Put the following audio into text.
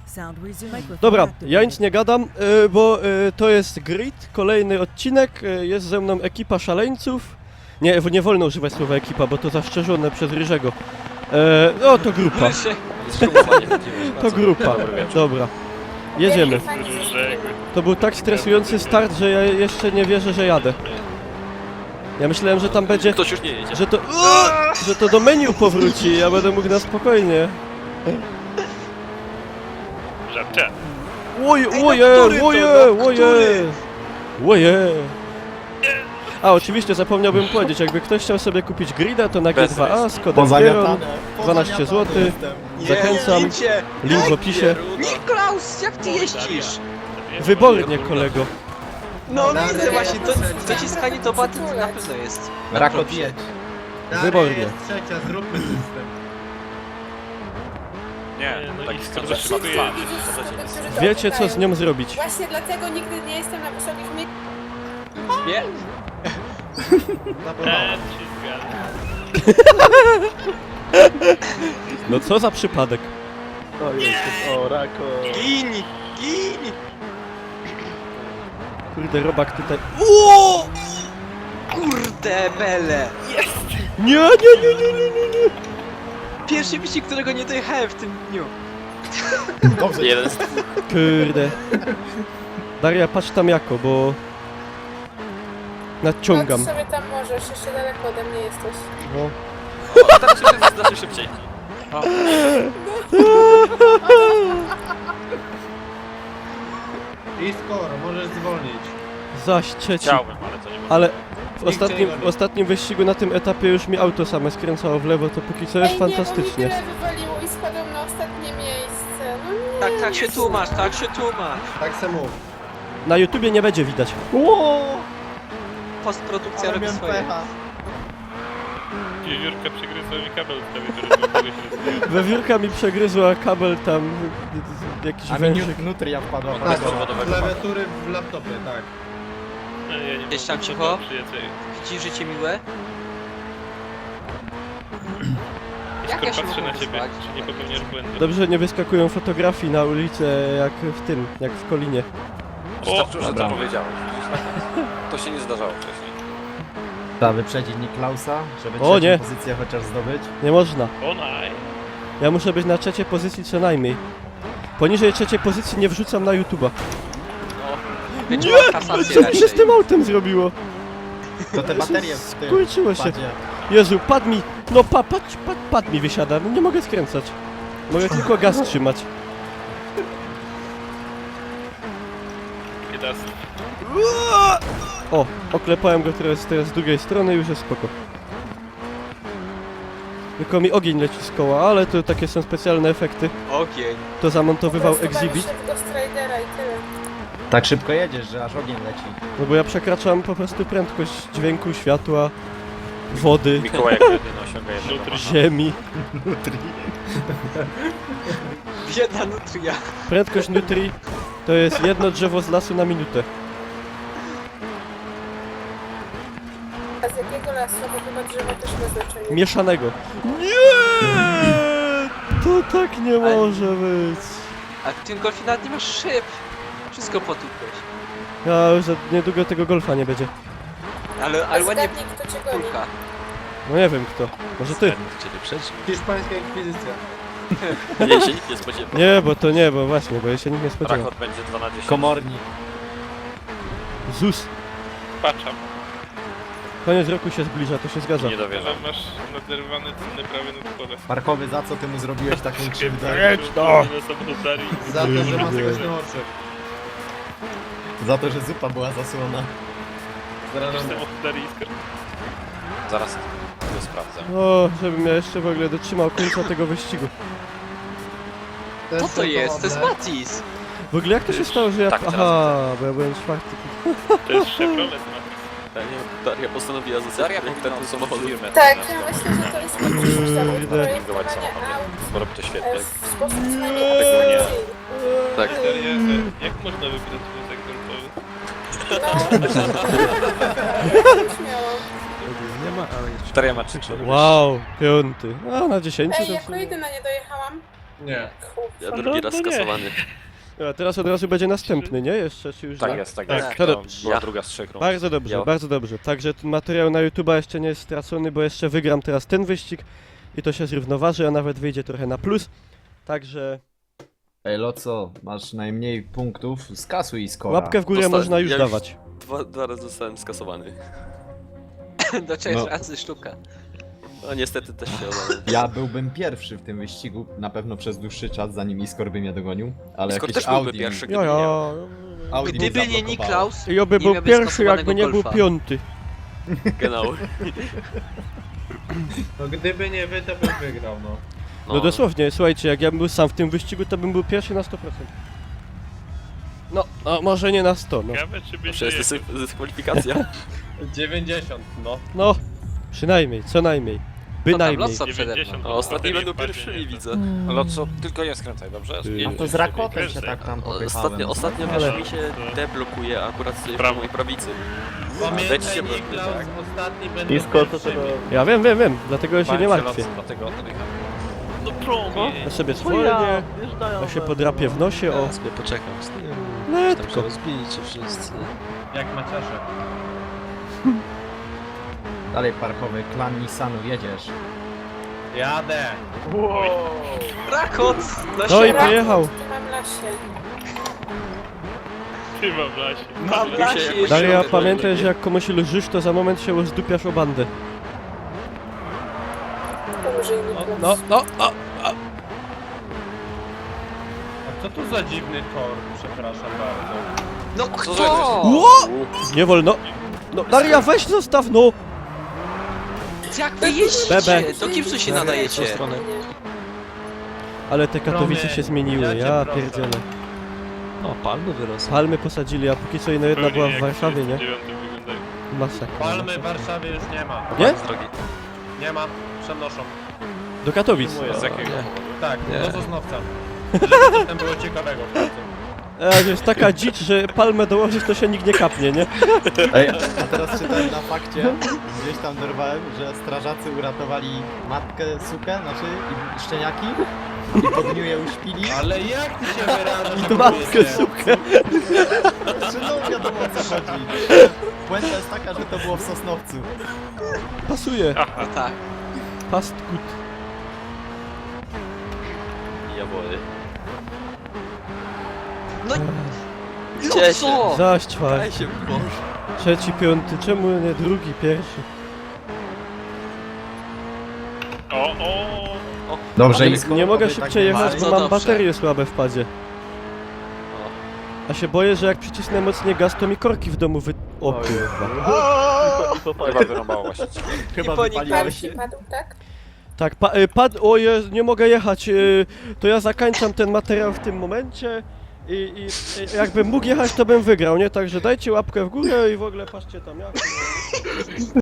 Dobra, ja nic nie gadam, bo to jest grid, kolejny odcinek, jest ze mną ekipa szaleńców. Nie wolno używać słowa ekipa, bo to zaszczerzone przez Ryżego. No to grupa. To grupa, dobra. Jedziemy. To był tak stresujący start, że ja jeszcze nie wierzę, że jadę. Ja myślałem, że tam będzie... Ktoś już nie jedzie. Że to do menu powróci, ja będę mógł na spokojnie. Żarcie. Oje. A, oczywiście zapomniałbym powiedzieć, jakby ktoś chciał sobie kupić grida, to na G2A z kodem Gieron, 12 zł. Zachęcam, link w opisie. Niklaus, jak ty jeździsz? Wybornie, kolego. No widzę właśnie, to dociskanie to baty na pewno jest. Rakot jedź. Wybornie. Jest trzecia, zróbmy system. Nie, no tak i skoro skoro się się ma Wiecie, co z nią zrobić. Właśnie dlatego nigdy nie jestem na wysokich miejscach. Nie? No co za przypadek. O, Rako. Gini! Kurde, robak tutaj... Kurde bele! Nie. Pierwszy wyścig, którego nie dojechałem w tym dniu. Dobrze. Jeden. Kurde. Daria, patrz tam jako, bo... Nadciągam. No to sobie tam możesz, jeszcze daleko ode mnie jesteś. No. Tam się znaczy szybciej. I skoro, możesz zwolnić. Zaś trzeci. Chciałbym, ale to nie ma. Ale Nikt w ostatnim wyścigu na tym etapie już mi auto same skręcało w lewo, to póki co jest Ej, nie, bo mi fantastycznie. tyle wywaliło i spadłem na ostatnie miejsce. No nie. Tak się tłumacz, tak się tłumacz. Tak se mów. Na YouTubie nie będzie widać. Postprodukcja Ale robi miałem swoje. pecha. Wiewiórka przegryzła mi kabel w prawie, który był się Wewiórka mi przegryzła kabel tam, jakiś A mi wężyk. nutria wpadła. Tak, Tak, klawiatury w laptopie, tak. Ja nie Gdzieś tam mam cicho? przyjacieli. Widzisz życie miłe? Jak ja się Skoro patrzę mogę na ciebie, wyspać? czy nie popełniasz błędu. Dobrze, nie wyskakują fotografii na ulicę jak w tym, jak w Kolinie. Wystarczyło, że dobra. to powiedziałeś. To się nie zdarzało wcześniej. Trzeba wyprzedzić Niklausa, żeby O, nie. pozycję chociaż zdobyć. Nie można. O naj! Ja muszę być na trzeciej pozycji co najmniej. Poniżej trzeciej pozycji nie wrzucam na YouTube'a. Będzie Nie! miał kasację Co mi się z raczej. tym autem zrobiło? To te baterie w tym Skurczyło się. padzie. Jezu, padł mi, no pad mi wysiada, no nie mogę skręcać. Mogę tylko gaz trzymać. Biedasy. O, oklepałem go teraz z drugiej strony, już jest spoko. Tylko mi ogień leci z koła, ale to takie są specjalne efekty. Ogień. To zamontowywał Po prostu Exhibit, bawisz się w Ghost Ridera i tyle. Tak szybko jedziesz, że aż ogień leci. no bo ja przekraczam po prostu prędkość dźwięku, światła, wody, Mikołaj jak jedyny osiąga jednego. ziemi. Biedna nutria. Prędkość Nutri to jest jedno drzewo z lasu na minutę. A z jakiego lasu? Bo chyba drzewo też ma znaczenie. Mieszanego. Nie! To tak nie może być. A w tym golfie nawet nie masz szyb. Wszystko potupłeś. Ja już za niedługo tego golfa nie będzie. Ale A ładnie zgadnij, kto cię goni. kulka. No nie wiem kto. Może ty. Ciebie przeżył. Hiszpańska inkwizycja. Nie, się nikt nie spodziewa. Nie, bo właśnie, bo ja się nikt nie spodziewa. Rakot będzie 2 na 10. Komornik. ZUS. Patrzam. Koniec roku się zbliża, to się zgadza. Nie dowierzam. Że masz naderwane cenne prawie na dworze. Markowy, za co ty mu zrobiłeś taką krzywdę? Na samochodarii. Za to, że ma skośne oczy. Za to, że zupa była zasłona. Zarażona. Samochodarii iskr. Zaraz to sprawdzę. O, żebym ja jeszcze w ogóle dotrzymał końca tego wyścigu. Co to jest? To jest Matis. W ogóle jak to się stało, że ja... Tak, teraz Aha, bo ja byłem czwarty. To jest Chevrolet Matrix. Daria postanowiła zostawić ten samochód firmę. Tak, ja myślę, że to jest przyszłość zawód Projektować projektowania samochody, aut bo robi to świetnie. w sposób przynajmniej Tego nie. obserwacyjny. Tak. Daria, jak można wybrać wózek golfowy? No, śmiało. Nie ma, ale jeszcze. Daria ma 3 Wow, piąty. A, na 10 Ej, to w jako sumie. jedyna nie dojechałam. Nie. Ja Kurwa. drugi raz no nie. skasowany. A teraz od razu będzie następny, nie? Jeszcze, czy już Tak nie? jest, tak Tak. jest. To To była Ja. druga z 3 rund. Bardzo dobrze, Ja. bardzo dobrze. Także ten materiał na YouTube'a jeszcze nie jest stracony, bo jeszcze wygram teraz ten wyścig i to się zrównoważy, a nawet wyjdzie trochę na plus. Także Ej, Loco, masz najmniej punktów, skasuj skora. łapkę w górę Dostałem- można już ja dawać. Dwa razy zostałem skasowany. Do trzech No. razy sztuka. No niestety też się oddałem. Ja byłbym pierwszy w tym wyścigu, na pewno przez dłuższy czas, zanim Iskor by mnie dogonił, ale Skoro jakieś też byłby Audi, pierwszy, Ja, gdyby nie ja. miał. Audi Gdyby mnie nie zablokowało. Niklaus, I oby nie był miałby pierwszy, jakby nie był skasowanego piąty. Genau. No gdyby nie wy, to bym wygrał, no. No dosłownie, słuchajcie, jak ja bym był sam w tym wyścigu, to bym był pierwszy na 100%. No, a może nie na 100, no. Ciekawe, czy będzie Przecież to jest dyskwalifikacja. 90, no. No, przynajmniej, co najmniej. Bynajmniej. Lotso przede mną. 90. A ostatni Potem będą wpadnie, pierwszymi, nie? widzę. Loco, tylko nie skręcaj, dobrze? Ty. A to z Rakotem się tak tam popychałem. Ostatnio Ale- wiesz, mi się deblokuje akurat sobie po Prawo. mojej prawicy. Pamiętaj, Dajcie się Niklaus, tak. ostatni będą Iskor to pierwszymi. Ja wiem, dlatego ja się nie martwię. Dlatego oddycham. No promień. Ja sobie zwolnię, ja się podrapię w nosie, o. sobie poczekam z tym. Tam Letko. się rozbijcie wszyscy. Jak Maciasze. Dalej parkowy, klan Nissanu, jedziesz. Jadę. Rakot! No i pojechał. Tu mam lasie. Ty mam w lasie. Mam Mi lasie się- jeszcze. Daria, pamiętaj, że jak komuś lżysz, to za moment się rozdupiasz o bandę. Pomóże mi Niklaus. No, A co tu za dziwny tor? Przepraszam bardzo. No Co kto? za- Ło! Nie wolno. No, Daria, weź zostaw, no! Jak wy jeździcie? Bebe. Do kim tu się W nadajecie? tą stronę. Ale te Katowice się zmieniły, ja cię ja proszę. pierdzielę. No, palmy wyrosły. Palmy posadzili, a póki co jedna była Zupełnie w jak Warszawie, nie? 39 wyglądają. Masakra. Palmy w Warszawie już nie ma. Nie? Z drogi. Nie ma. Przenoszą. Do Katowic. Z jakiego nie. powodu? Tak, Nie. do Sosnowca. Żeby coś tam było ciekawego w końcu. Jest taka dzicz, że palmę dołożyć, to się nikt nie kapnie, nie? Ej, a teraz czytałem na fakcie, gdzieś tam dorwałem, że strażacy uratowali matkę, sukę, znaczy i szczeniaki i po dniu je uśpili. Ale jak ty się wyrażasz? To matkę, sukę. Znaczy no wiadomo o co chodzi. Puenta jest taka, że to było w Sosnowcu. Pasuje. No tak. Past good. Ja wolę. No Cieszę. co? Zaś czwarty. Daj się Boże. Trzeci, piąty, czemu nie drugi, pierwszy? O, Dobrze, Ale Iskor, nie mogę oby tak szybciej nie jechać, ma. bo Bardzo mam dobrze. baterie słabe w padzie. A się boję, że jak przycisnę mocniej gaz, to mi korki w domu wy... O kurwa. Chyba wyrąbało właśnie. Chyba I po wypaliło Pan się. się padł, tak? Tak, o nie mogę jechać, to ja zakończam ten materiał w tym momencie i jakbym mógł jechać, to bym wygrał, nie? Także dajcie łapkę w górę i w ogóle patrzcie tam jak.